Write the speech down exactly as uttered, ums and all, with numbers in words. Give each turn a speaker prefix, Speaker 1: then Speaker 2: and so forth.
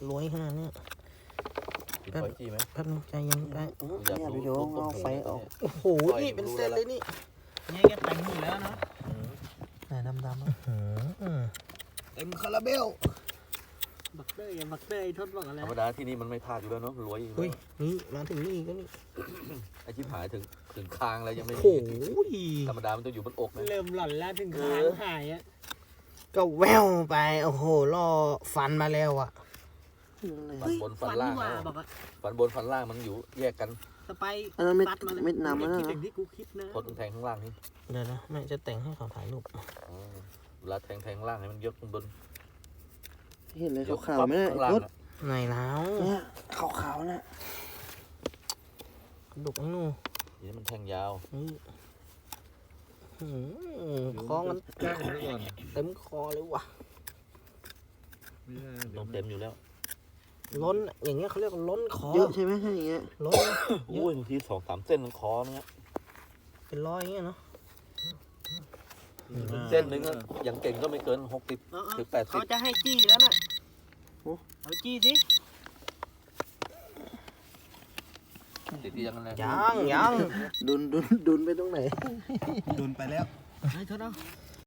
Speaker 1: รวยขนาดนี้
Speaker 2: ปิดไฟจี้ไหม
Speaker 1: แป๊บนึงใจเย็นไป
Speaker 3: เนี่ยพี่โยงเอาไฟออก
Speaker 1: โอ้โหนี่เป็นเส้นเลยนี่
Speaker 4: เนี่ยแกแต่งหมดแล้วเนาะ
Speaker 3: ไหนดำดำ
Speaker 1: เต็มคาราเบล
Speaker 4: บักเตอร์อย่าบักเตอร์ไอ้ทศบอกอะไร
Speaker 2: ธรรมดาที่นี่มันไม่พลาดอยู่แล้วเนาะรวยอยู่
Speaker 1: เฮ้ยนี่มาถึงนี่ก็นี่
Speaker 2: ไอ้ชิบหายถึงถึงคางแล้วยังไม่
Speaker 1: โอ้
Speaker 2: มี
Speaker 1: โห
Speaker 2: ธรรมดามันต้องอยู่บนอกนะ
Speaker 4: เริ่มหล่อนแล้วถึงขางหายอ่ะ
Speaker 1: ก็แววไปโอ้โหล่อฟันมาแล้วอ่ะ
Speaker 2: ฟันบนฟันล่าง
Speaker 4: ว่า
Speaker 2: นะ
Speaker 4: บอกว่า
Speaker 2: ฟันบนฟันล่างมันอยู่แยกกัน
Speaker 4: สไป
Speaker 3: อันนั้นเม็ด
Speaker 4: ปัดมา
Speaker 3: เม็ดน้ำ
Speaker 4: ไม่
Speaker 3: นั่น
Speaker 4: คิด
Speaker 3: นะ
Speaker 4: อย่างที่กูคิดนะ
Speaker 2: ทดแทงข้างล่างนี่
Speaker 1: เดี๋ยวนะแม่จะแต่งให้เขาถ่ายรูป
Speaker 2: อ๋อเวลาแทงแทงข้างล่างให้มันยกข้างบน
Speaker 3: เห็นเลยขาวๆไหมเนี่ย
Speaker 2: ข้างล่าง
Speaker 3: รถ
Speaker 2: น่ะ
Speaker 1: ไหนแล้ว
Speaker 3: เนี่ยขาวๆนะ
Speaker 1: ดุกไอ้หนู
Speaker 2: ทีนี้มันแทงยาว
Speaker 1: นี่หืมคอมัน
Speaker 5: แกล้งไว้ก่อน
Speaker 1: เต็มคอเลยว่ะ
Speaker 5: ไม่ได้
Speaker 2: ต้องเต็มอยู่แล้ว
Speaker 1: ล้นอย่างเงี้ยเขาเรียกว่าล้นคอ
Speaker 3: เยอะใช่ไหมถ้าอย่างเงี้ย
Speaker 1: ล้นนะ
Speaker 2: โอ้ยบางทีสองสามเส้นมันคอเนี้ย
Speaker 1: เป็นร้อยอย่างเงี้ยเนาะ
Speaker 2: เส้นหนึ่งอะอย่างเก่งก็ไม่เกินหกสิบ
Speaker 4: เอาเอา
Speaker 2: ถึงแปดสิบ
Speaker 4: เขาจะให้จี้แล้วน่ะเอาจี้สิ
Speaker 2: ติดที่ยังไง
Speaker 1: ยังยัง
Speaker 3: ดุนดุนดุนไปตรงไหน
Speaker 5: ดุนไปแล้ว
Speaker 4: ไอ้ทศเอา